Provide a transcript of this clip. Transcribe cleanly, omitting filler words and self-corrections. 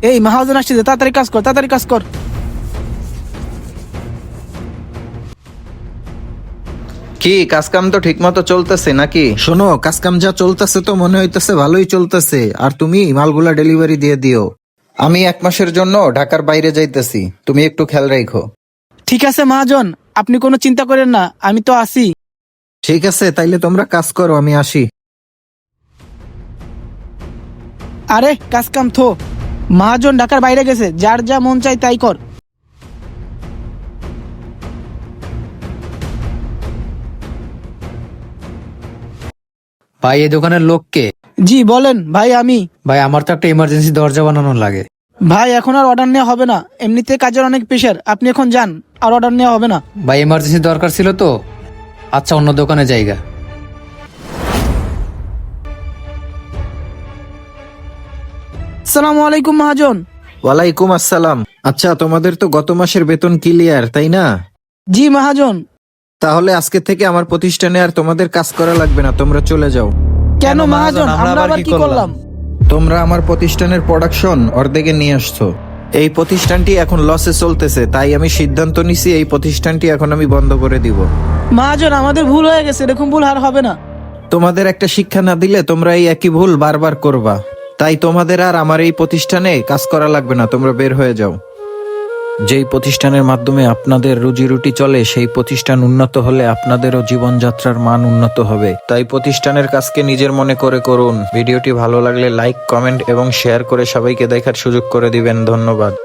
এই মহাজন আসছে, তাড়াতাড়ি কাজ কর, তাড়াতাড়ি কাজ কর। কি কাজ কাম তো ঠিক মতো চলতেছে নাকি? শোনো, কাজকাম যা চলতেছে তো মনে হইতেছে ভালোই চলতেছে। আর তুমি মালগুলা ডেলিভারি দিয়ে দিও। আমি 1 মাসের জন্য ঢাকার বাইরে যাইতেছি, তুমি একটু খেয়াল রাখো। ঠিক আছে মহাজন, আপনি কোনো চিন্তা করেন না, আমি তো আছি। ঠিক আছে, তাইলে তোমরা কাজ করো, আমি আসি। আরে কাজ কাম থো, মহাজন ঢাকার বাইরে গেছে, যার যা মন চাই তাই কর। ভাই এই দোকানের লোককে? জি বলেন ভাই, আমি। ভাই আমার তো একটা ইমার্জেন্সি দরজা বানানোর লাগে। ভাই এখন আর অর্ডার নেওয়া হবে না, এমনিতে কাজের অনেক প্রেশার, আপনি এখন যান, আর অর্ডার নেওয়া হবে না। ভাই ইমার্জেন্সি দরকার ছিল তো। আচ্ছা, অন্য দোকানে জায়গা। আসসালামু আলাইকুম মহাজন। ওয়ালাইকুম আসসালাম। আচ্ছা, তোমাদের তো গত মাসের বেতন ক্লিয়ার, তাই না? জি মহাজন। তাহলে আজকে থেকে আমার প্রতিষ্ঠানে আর তোমাদের কাজ করা লাগবে না, তোমরা চলে যাও। কেন মহাজন, আমরা আবার কি করলাম? তোমরা আমার প্রতিষ্ঠানের প্রোডাকশন অর্ধেকে নিয়ে আসছো। এই প্রতিষ্ঠানটি এখন লসে চলতেছে, তাই আমি সিদ্ধান্ত নিছি এই প্রতিষ্ঠানটি এখন আমি বন্ধ করে দিব। মহাজন আমাদের ভুল হয়ে গেছে, এরকম ভুল আর হবে না। তোমাদের একটা শিক্ষা না দিলে তোমরা এই একই ভুল বারবার করবা। তাই তোমাদের আর আমার এই প্রতিষ্ঠানে কাজ করা লাগবে না, তোমরা বের হয়ে যাও। যেই প্রতিষ্ঠানের মাধ্যমে আপনাদের রুজি রুটি চলে, সেই প্রতিষ্ঠান উন্নত হলে আপনাদেরও জীবনযাত্রার মান উন্নত হবে। তাই প্রতিষ্ঠানের কাজকে নিজের মনে করে করুন। ভিডিওটি ভালো লাগলে লাইক, কমেন্ট এবং শেয়ার করে সবাইকে দেখার সুযোগ করে দিবেন। ধন্যবাদ।